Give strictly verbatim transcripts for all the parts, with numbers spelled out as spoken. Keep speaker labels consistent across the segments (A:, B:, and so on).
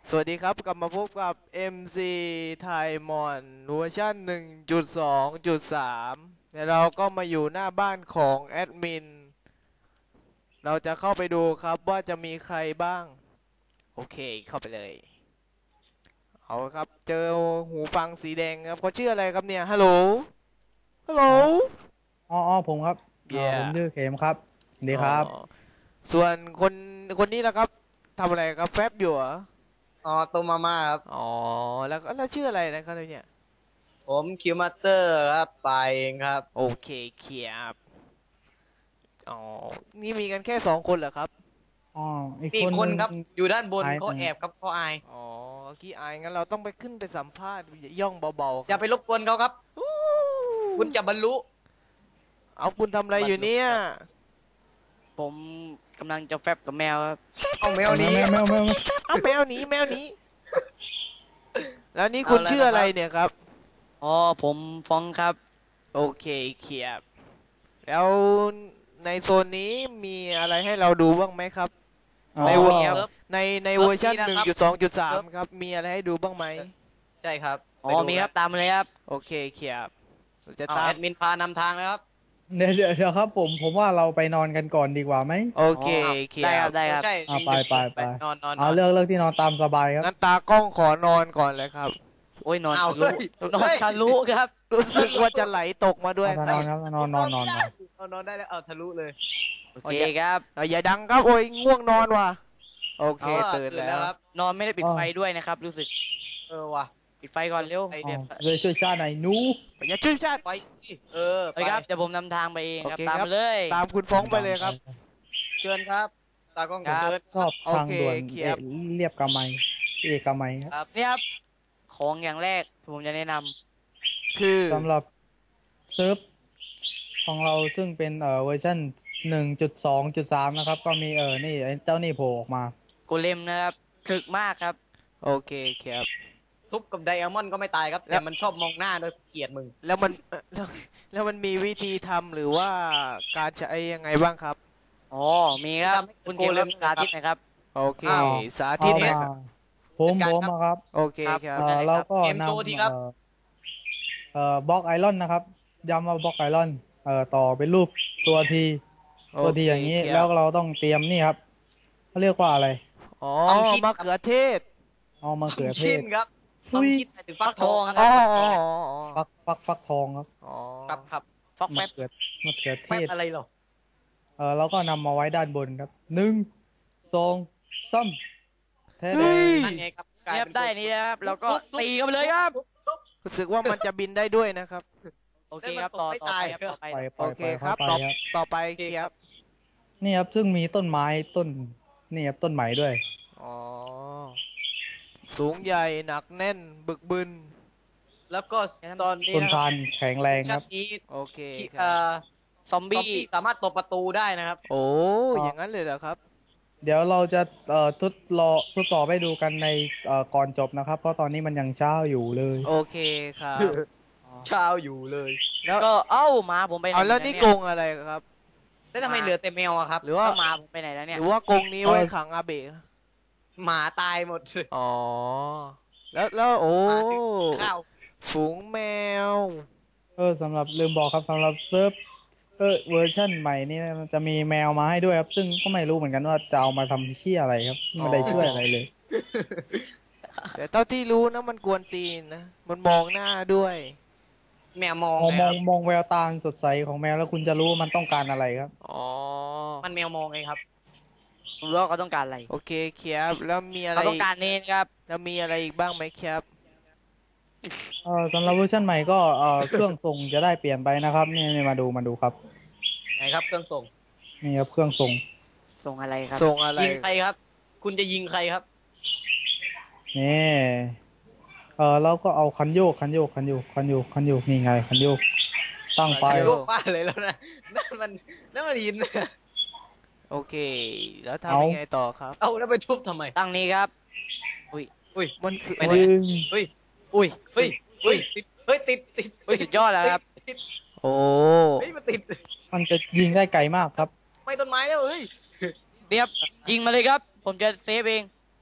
A: สวัสดีครับกลับมาพบกับ เอ็ม ซี ไทยมอนเวอร์ชัน หนึ่งจุดสอง จุด สาม แล้วเราก็มาอยู่หน้าบ้านของแอดมินเราจะเข้าไปดูครับว่าจะมีใครบ้างโอเคเข้าไปเลยเอาครับเจอหูฟังสีแดงครับเขาชื่ออะไรครับเนี่ยฮัลโหลฮัลโหล
B: อ๋ออ๋ออ๋อผมครับอ่า
A: เย่
B: ผมชื่อเขมครับสวัสดี
A: อ๋อ
B: ครับ
A: ส่วนคนคนนี้ล่ะครับทำอะไรครับแฟบอยู่เหรอ
C: อ๋อตัวมาม่าครับ
A: อ๋อแล้วแล้วชื่ออะไรนะครับเนี่ย
C: ผมคิวมาสเตอร์ครับไปเองครับ
A: โอเคเคียบ อ๋อ นี่มีกันแค่สองคนเหรอครับ
B: อ๋ออีก
C: นี่
B: คนหนึ่ง
C: คนครับอยู่ด้านบน
B: หายไป
C: เขาแอบครับเขาอาย
A: อ๋อขี้อายงั้นเราต้องไปขึ้นไปสัมภาษณ์ย่องเบาๆครับ
C: อย่าไปรบกวนเขาครับ
A: อู้
C: คุณจะบรรลุ
A: เอาคุณทำอะไร
C: บรรลุ
A: อยู่เนี่ย
C: ครับ
D: ผมกำลังจะแฟบกับแมวครับ
C: เอาแมว
B: แม
C: นี้
B: วแมวแมวแมว
A: เอาแมวหนีแมวหนีแล้วนี่คุ
C: เอา
A: ณ
C: แล้ว
A: ชื่ออะไร
C: นะครับ
A: เนี่ยครับ
D: อ๋อผมฟ้องครับ
A: โอเคเขียบ แล้วในโซนนี้มีอะไรให้เราดูบ้างไหมครับ
B: อ๋อ
A: ในเวอร์
D: มีครับ
C: เซิร์ฟ
A: ในใน
C: เซิร์ฟ
A: เวอร์ชัน
C: นี้นะครับ
A: หนึ่งจุดสอง จุด สาม
C: เซิร์ฟ
A: ครับ มีอะไรให้ดูบ้างไหม
C: ใช่ครับ
D: อ๋อ
C: ไปดู
D: มีครับตามมาเลยครับ
A: โอเคเขียบเราจะ
C: เอา
A: ตาม
C: แอดมินพานำทางแล้วครับ
B: เดี๋ยวเดี๋ยวเดี๋ยวครับผมผมว่าเราไปนอนกันก่อนดีกว่าไหม
A: โอเค
D: อ๋อ
A: เขี
D: ได้
A: ยบ
D: ครับได้ครับ
C: ใช่
B: อ่าไปไปไป
C: นอนนอนน
B: เอา
C: อน
B: เลือกเลือกที่นอนตามสบายครับ
A: งั้นตากล้องขอนอนก่อนเลยครับ
D: โอ้ยนอน
C: เอา
D: ทะลุ
C: เฮ้ย
D: นอนทะลุครับ
A: รู้สึกว่าจะไหลตกมาด้วย
B: เอาถ้าน
A: ครั
B: อบ นครับนอนนอนนอนนอน
C: เอานอนได้แล้วเอาทะลุเลย
D: โอเคครับ
A: เอ้ยอย่าดังครับโอ้ยง่วงนอนว่ะโอเค
C: เอา
A: ตื่นแล้ว
C: ครับ
D: นอนไม่ได้ปิดไฟด้วยนะครับ รู้สึก
C: เออว่ะ
D: ปิดไฟก่อนเร็ว
C: ไอ
B: อ๋
C: เดีย
B: อเลยช่วยชาติหน่อยหนู
A: อย่าชื่อชาติ
C: ไปสิเออไป
D: ไปครับเดี๋ยวผมนำทางไปเองครับ
A: โอเค
D: ตาม
A: ครับ
D: มาเลย
A: ตามคุณฟ้องไปเลยครับ
C: เชิญครับตากล้อง
D: ครับ
C: เชิญ
B: ชอบทางด่วน
A: โอเค
B: เอ
A: ครับ
B: เรียบกำไมเอกมัยครับ
C: ครับ
D: นี่ครับของอย่างแรกผมจะแนะนำ
A: คือ
B: สำหรับเซิร์ฟของเราซึ่งเป็นเอ่อเวอร์ชันหนึ่งจุดสองจุดสามนะครับก็มีเออนี่ไอ้เจ้านี่โผล่ออกมา
D: โกเลมนะครับถึกมากครับ
A: โอเคครับ
C: ทุบกับไดอะมอนด์ก็ไม่ตายครับ
A: แล้
C: แต่
A: ว
C: มันชอบมองหน้าโดยเกลียดมึง
A: แล้วมันเอ่อแล้วแล้วมันมีวิธีทำหรือว่าการใช้ยังไงบ้างครับ
D: อ๋อมีครับ คุณเกมรับสาธิตนะครับ
A: โอเค
C: อ้าว
A: สาธิ
B: เอา
A: ตหน่อย
B: มา
A: ครับ
B: ผม
C: จัด
B: ผ
C: การครับ
B: มอะครับ
A: โอเค
D: ครับ
A: ครับ
B: เอ่อ
D: ได้เลยครับ
B: เราก็
C: เกม
B: น
C: โชว์ทีครับ
B: ำเอ่อเอ่อบล็อกไอรอนนะครับย้ำว่าบล็อกไอรอนเอ่อต่อเป็นรูปตัวทีตัวทีอย่างนี้
A: โเคครับ
B: แล้วเราต้องเตรียมนี่ครับเขาเรียกว่าอะไร
A: อ๋อ
C: ความคิด
A: มะเขือเทศ
B: เอามะเขือเท
C: คิ
B: ศ
C: นครับ
B: ทุ
C: ความ
B: ย
C: คิดหมายถึงฟักทอง
A: อ๋อ
C: ครับ
A: อ๋อ
B: ฟักฟักฟักทองครับ
A: อ๋อ
C: ครับครับ
D: ฟอกแฟ
B: มะ
D: บ
B: เขือมะเขือเท
C: แป๊บ
B: ศ
C: อะไรหรอ
B: เออเราก็นำมาไว้ด้านบนครับหนึ่งสองสามแท้
A: เฮ้ย
C: นั่นไงครับกลาย
D: เรียบ
C: เป็น
D: ได้นี่นะครับแล้วก็ตีกันไปเลยครับ
A: รู้สึกว่ามันจะบินได้ด้วยนะครับ
D: โอเคครับต่อต่อไปครับต่อไป
B: ปล่อยป
A: โอ
B: ล่อย
A: เค
B: ปล่อย
A: ครับ
B: เข้า
A: ต่อ
B: ไปครับ
A: ต่อไปครับ
B: นี่ครับซึ่งมีต้นไม้ต้นนี่ครับต้นไม้ด้วย
A: อ๋อ สูงใหญ่หนักแน่นบึกบึน
C: แล้วก็ตอนนี้
B: ต้น
C: นะครับ
B: ทานแข็งแรงค
C: ชั้
B: รั
C: น
B: บ
C: นี้
A: โอเค
C: ที่
A: ค
C: เอ่
A: รับ
C: อ
D: ซอม
C: ซอม
D: บี้
C: บี้สามารถตบประตูได้นะครับ
A: โอ้อย่างนั้นเลยเหรอครับ
B: เดี๋ยวเราจะเอ่อทดรอทดสอบให้ดูกันในเอ่อก่อนจบนะครับ เพราะตอนนี้มันยังเช้าอยู่เลย
A: โอเคครับ
C: เช้าอยู่เลย
A: แล้ว
D: ก็เอ้าหมาผมไปไหน
A: เอาแล้วนี่
D: เย
A: กรงอะไรครับ
C: แล้วทำไมเหลือแต่แมวอะครับ
A: หรือว่า
D: แล้วหมาผมไปไหนแล้ว
A: ห
D: เนี่ย
A: รือว่ากรงนี้ไว้ขังอาเบะ
C: หมาตายหมด
A: อ๋อ แล้วแล้วโอ้
C: หมาถึงข้าว
A: ฝูงแมว
B: เออสำหรับลืมบอกครับสำหรับเซิร์ฟเออเวอร์ชั่นใหม่นี่นะมันจะมีแมวมาให้ด้วยครับ ซึ่งก็ไม่รู้เหมือนกันว่าจะเอามาทำเชี่ยอะไรครับซึ่งไม่ได้ช่วยอะไรเลย
A: แต่เท่าที่รู้นะมันกวนตีนนะ มันมองหน้าด้วย
C: แมวมอง
B: มอง
C: นะ
B: ม
C: ค
B: อ
C: รั
B: ง
C: บ
B: มองแววตาสดใสของแมวแล้วคุณจะรู้ว่ามันต้องการอะไรครับ
A: อ๋อ
C: มันแมวมองไงครับ
D: ผมรู้ว่าเขาต้องการอะไร
A: โอเคครับแล้วมีอะไร
D: เขาต้อ
A: อี
D: งการเนนครับ
A: แล้วมีอะไรอีกบ้างไหมครับ
B: เออสำหรับเวอร์ชันใหม่ก็เออเครื่องส่งจะได้เปลี่ยนไปนะครับนี่นี่มาดูมาดูครับ
C: ไหนครับเครื่องส่ง
B: นี่ครับเครื่องส่ง
D: ส่งอะไรครับ
A: ส่งอะไร
C: ยิงใครครับ คุณจะยิงใครครับ
B: นี่เออเราก็เอาคันโยกคันโยกคันโยกคันโยกคันโยกนี่ไงคันโยกตั้งไป
C: โยกบ้านเลยแล้วนะนั่นมันนั่นมันยิน
A: โอเค แล้วทำยังไงต่อครับ
C: เอาแล้วไปทุบทำไม
D: ตั้งนี้ครับ อุ้ย
C: อุ้ย
A: มันคือ
C: ไปไหน
B: ดึง
C: เฮ้ย
D: อุ้ย
C: เฮ้ยเฮ้ยติดเฮ้ยติดติด
D: เฮ้ยสุดยอดแล้วครับ
C: ติด
A: โอ้
C: เฮ้ยมันติด
B: มันจะยิงได้ไกลมากครับ
C: ไม่ต้นไม้แล้วเฮ้ย
D: เรียบยิงมาเลยครับ ผมจะเซฟเอง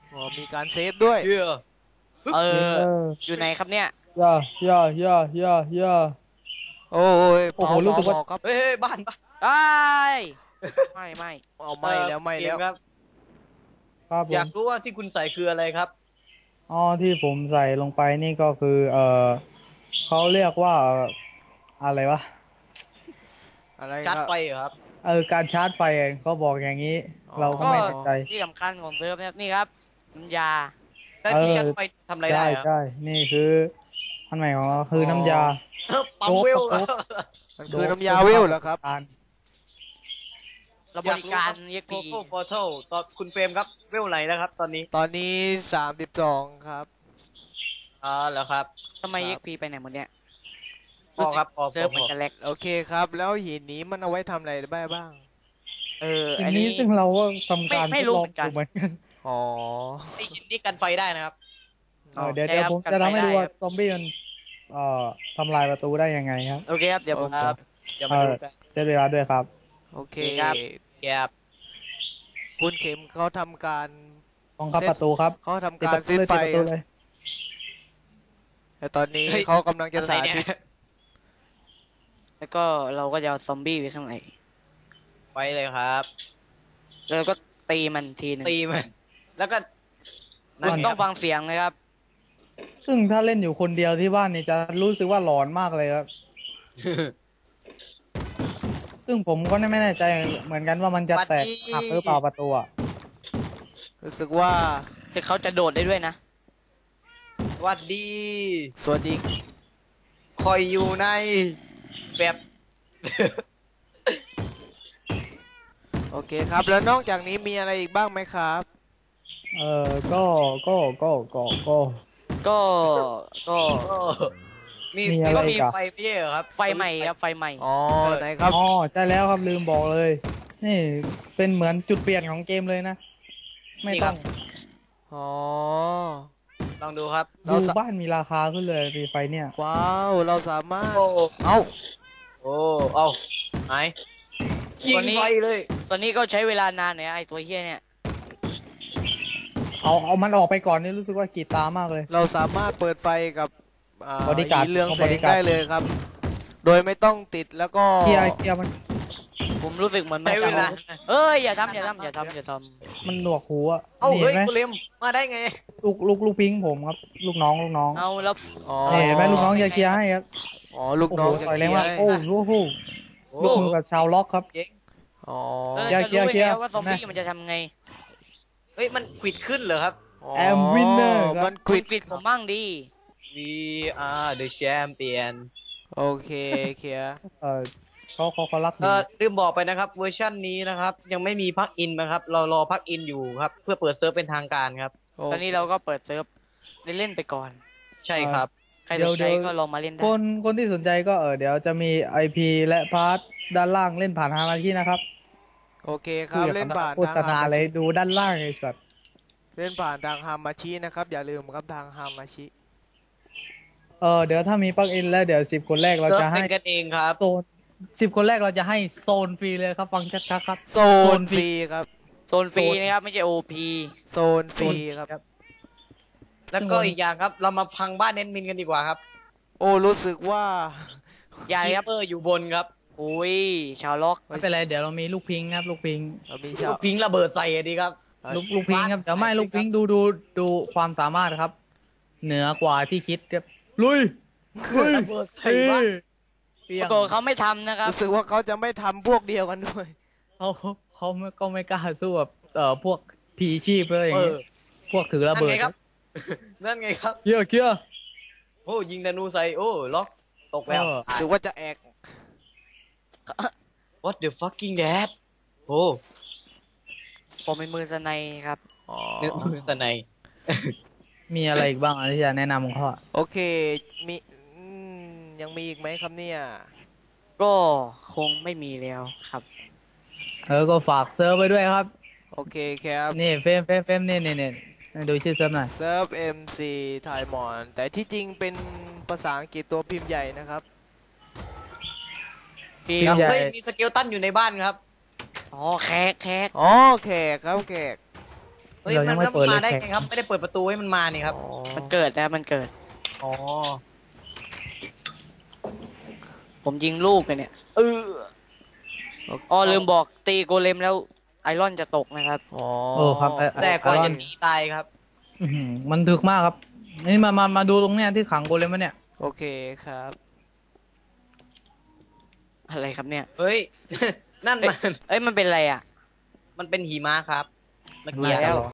A: อ๋อมีการเซฟด้วย
C: เชื่อ
D: เอ
B: เอ
D: อ
B: อ
D: อยู่ไหนครับเนี่ย
B: ย่าย่าย่าย่าย่า
A: โอ้ย
B: โอ้โห
A: เผา
B: รู้สึกว่า
A: เผาครับ
C: เฮ้ยเฮ้ยบ้านบ้าน
D: ไอ้ายไม่ไม่
A: เอาไม่แล้วไม่แล้ว
C: เกครับ
B: ครับผ
C: อยาก
B: ม
C: รู้ว่าที่คุณใส่คืออะไรครับ
B: อ๋อที่ผมใส่ลงไปนี่ก็คือ เออเขาเรียกว่าเอ่ออะไรวะ
A: อะไร
C: ชาร์จ
A: ครับ
C: ไฟเหรอครับ
B: เออการชาร์จไฟเขาบอกอย่างนี้
A: อ๋อ
B: เราก็
D: ก็
B: ไม่แน่ใจ
D: ที่สำคัญของเซิร์ฟเนี่ยนี่ครับน้ำยา
C: ใช้ที่ชาร์จไฟทำอะไรได้
B: ใช่
C: ครับ
B: ใช่นี่คืออันใหม่ของเราคือน้ำยา
C: เออปั๊มเวล
B: โจ๊ก
A: มันคือน้ำยาเวลเหรอครับ
D: เราบริการเยก
C: โก
D: ปี
C: โก้พอร์ทัลตอนคุณเฟรมครับ เวลไหนนะครับ ตอนนี้
A: ตอนนี้สามสิบสองครับ
C: อ่าเหรอครับ
D: ทำไมเยกปีไปไหนหมดเนี่ย
C: พอครับพอ
D: เซิร์ฟ
C: พ
D: เหมือนกันแลก
A: โอเคครับ แล้วหินนี้มันเอาไว้ทำอะไรได้บ้าง
D: เออ
B: ที
D: อัน
B: นี้
D: นี้
B: ซึ่งเราก็ทำการ
D: ไม่ไม่
B: ทด
D: รู้
B: ลอง
D: เหมือนกัน
B: อยู่เหมือนกัน
A: อ๋อ
C: ไอ้หินนี่กันไฟได้นะครับ
B: เออเดี๋ยว
D: ใช่
B: เดี๋ยว
D: ครับ
B: ผม
D: กัน
B: จะทำให้
D: ไฟ
B: ดู
D: ได้
B: ว่า
D: ครับ
B: ซอมบี้มันเอ่อทำลายประตูได้ยังไงครับ
D: โอเคครับ เดี๋ยวผม
C: ครับเดี๋ยวมาดูกัน
B: เซตเวลาด้วยครับ
A: โอเค
D: โอเคครับ
C: แกบ
A: คุณเข็มเขาทำการ
B: ต้องครับ
A: เซต
B: ประตูครับ
A: เขาทำ
B: ติด
A: กา
B: ป
A: ร
B: ระตู
A: ซิด
B: เลย
A: ไฟ
B: ติดประตูเลย
A: แต่ตอนนี้
C: เฮ้ย
A: เขากำลังจะ
C: อะไร
A: สา
C: เนี่ย
A: ธิต
D: แล้วก็เราก็จะเอาซอมบี้ไว้ข้างใน
C: ไปเลยครับ
D: แล้วก็ตีมันทีหนึง
C: ตีมันแล้วก็
D: คุณต้องฟังเสียงนะครับ
B: ซึ่งถ้าเล่นอยู่คนเดียวที่บ้านนี่จะรู้สึกว่าหลอนมากเลยครับ ซึ่งผมก็ไม่แน่ใจเหมือนกันว่ามันจะแตกหักหรือเปล่าประตูอะ
A: รู้สึกว่า
D: จะเขาจะโดดได้ด้วยนะ
C: หวัดดี
A: สวัสดี
C: คอยอยู่ในแบบ
A: โอเคครับ แล้วนอกจากนี้มีอะไรอีกบ้างไหมครับ
B: เออก็ก็ก็ก็ก็
D: ก็ก็
C: โอ้มี
B: มี
C: มี
B: อะไร
C: ก็
B: อี
C: มี
B: กอะ
C: ไฟไม่ใช่เหรอครับ
D: ไฟใหม่ครับไฟใหม่
A: อ๋อไหนครับ
B: อ๋อใช่แล้วครับลืมบอกเลย นี่เป็นเหมือนจุดเปลี่ยนของเกมเลยนะ ไม่ต้อง
A: อ๋อ
C: ลองดูครับ
A: เรา
B: ดู
A: สะ
B: บ้านมีราคาขึ้นเลยมีไฟเนี่ย
A: ว้าว เราสามารถ
C: โอ้
A: เอ้า
C: โอ้เอาไหนยิ
D: ตั
C: ง
D: วนี้
C: ไฟเลย
D: ตอนนี้ก็ใช้เวลานานหน่อยนะไอตัวเฮี้ยเนี่ย
B: เอาเอามันออกไปก่อนนี่รู้สึกว่ากรีดตามากเลย
A: เราสามารถเปิดไฟกับอ่า
B: Bodyguard
A: หินเรืองแส
B: ของ
A: ง
B: Bodyguard
A: ได้เลยครับ โดยไม่ต้องติดแล้วก็
B: เคลียร์เคลียร์มัน
D: ผมรู้สึกเหมือนมัน
C: ใช้เวลา
D: เอ้ยอย่าทำอย่าทำอย่าทำอย่าท
B: มันหนวกหูอะ
C: เอ้า
B: นี่
C: เฮ้
B: เห็
C: ย
B: นไหม
C: กูเลมมาได้ไง
B: ลูกลูกลูกพิงผมครับ ลูกน้องลูกน้อง
D: ำเอาแล้ว
A: อ๋อ
B: นี่เห็นไหมลูกน้องจะเคลียร์ให้ครับ
A: อ๋อ ลูก
B: โอ้
A: น้
B: โห
A: องจะ
B: ต่อย
A: เค
B: แร
A: ลี
B: ง
A: ยร์
B: มาก
A: ให้
B: โอ้โหโหลูกมือแบบชาวล็อกครับ
A: อ๋อ
D: เออ
B: เคลียร์
D: จะรู้
B: เคลียร์
D: ได้ไงว่าซอมบี้
B: เห็นไหม
D: มันจะทำไง
C: เฮ้ยมันควิดขึ้นเหรอครับ
B: แอม winner ครับ
A: มันค
D: คุ
A: วิ
D: ณ
A: ด
D: กรีดผมบ้างดี
C: We are the champion
A: โอเคเคลียร์
B: เออเขาเขาเขารัก
C: เอ
B: ดี
C: อลืมบอกไปนะครับเวอร์ชันนี้นะครับ ยังไม่มีพักอินนะครับ เรารอพักอินอยู่ครับ เพื่อเปิดเซิร์ฟเป็นทางการครับ
A: โอ
D: ตอนนี้เราก็เปิดเซิร์ฟเล่นๆไปก่อน
C: ใช่ครับ
D: ใครสนใจก็ลองมาเล่นได้
B: คนคนที่สนใจก็เออเดี๋ยวจะมี ไอ พี และพาร์ทด้านล่างเล่นผ่านฮามาชินะครับ
A: โอเคครับ
B: อย่
A: เล่นผ่าน
B: โฆษณาเลยดูด้านล่างไอ้สัตว์
A: เล่นผ่านทางฮามาชินะครับ อย่าลืมครับทางฮามาชิ
B: เออเดี๋ยวถ้ามีปลั๊กอินแล้วเดี๋ยวสิบคนแรกเรา
C: เซิร์ฟ
B: จะให้
C: เป็นกันเองครับ
B: โซนสิบคนแรกเราจะให้โซนฟรีเลยครับ ฟังชัดๆครับ
A: โซนฟรีครับ
D: โซนฟรีนะครับไม่ใช่โอพี
A: โซนฟรีครับ
C: แล้วก็อีกอย่างครับ เรามาพังบ้านเน้นมินกันดีกว่าครับ
A: โอ้รู้สึกว่า
D: อย่า
C: คี
D: ครับ
C: เปอร์อยู่บนครับ
D: โอ้ยชาวล็อก
B: ไม่เป็นไรเดี๋ยวเรามีลูกพิงครับ ลูกพิง
A: เรามี
C: ลู
A: ชาว
C: กพิงระเบิดใส่อะดีครับ
B: ลูกลูกพิงครับเดี๋ยวไม่ลูกพิงดูดูดูความสามารถครับ เหนือกว่าที่คิดครับลุยลุย
C: ระเบิดใส่
B: เฮ้
C: บ้าน
B: ยเปรี้
D: ป
B: ย
D: ราง กฏเขาไม่ทำนะครับ
A: รู้สึกว่าเขาจะไม่ทำพวกเดียวกันด้วย
B: เขาเขาไม่ก็ไม่กล้าสู้แบบเอ่อพวกพีชีพอะไรอย่าง
C: เอ
B: เงี้
C: อย
B: พวกถือระ
C: นั่น
B: เบิด
C: ไงครับ นั่นไงครับ
B: เคียร์เคียร์
C: โอ้ยิงธนูใส่โอ้ล็อกตกแล้ว
B: เออ
A: หรือว่าจะแอก
C: What the fucking that โอ้
D: ผมเป็นมือสไนครับ
A: อ๋อ
C: นึกมือสไนย
B: มีอะไรอีกบ้างอ่ะที่จะแนะนำของเขาอ่ะ
A: โอเค มีอืมยังมีอีกไหมครับเนี่ย
D: ก็คงไม่มีแล้วครับ
B: เออก็ฝากเซิร์ฟไปด้วยครับ
A: โอเคครับ
B: นี่เฟมเฟมเฟมนี่นี่นี่ดูชื่อเซิร์ฟหน่อย
A: เซิร์ฟ เอ็ม ซี ไทยมอน แต่ที่จริงเป็นภาษาอังกฤษตัวพิมพ์ใหญ่นะครับ
D: พี่
B: พิมพ์ใหญ่
C: เฮ้ยมีสเกลตันอยู่ในบ้านครับ
D: อ๋อแขกแขก
A: อ๋อแขกครับแขก
B: เ
C: เฮ้ย
B: เรา
C: มั
B: ยั
C: น
B: งไม่เปิดเลย
C: มาได้
B: แขก
C: ไงครับ ไม่ได้เปิดประตูให้มันมานี่ครับ
A: อ๋อ
D: มันเกิดนะครับมันเกิด
C: อ๋อ
D: ผมยิงลูกไปเนี่ย เอออ๋อลืมบอกตีโกเลมแล้วไอรอนจะตกนะครับ
A: อ๋อ
B: เออครับไอ้
C: แต่กว่า
B: ไอรอ
C: จะ
B: น
C: หนีตายครับ
B: อื้อหือมันถึกมากครับ นี่มามามาดูตรงเนี้ยที่ขังโกเลมไว้เนี่ย
A: โอเคครับ
D: อะไรครับเนี่ย
C: เฮ้ย นั่น
D: เอ้ย
C: มัน
D: เอ้ยมันเป็นอะไรอ่ะ
C: มันเป็นหิมะครับเมื่อ
B: ดู
C: กี้
B: แล
D: แล้ว
B: เหรอ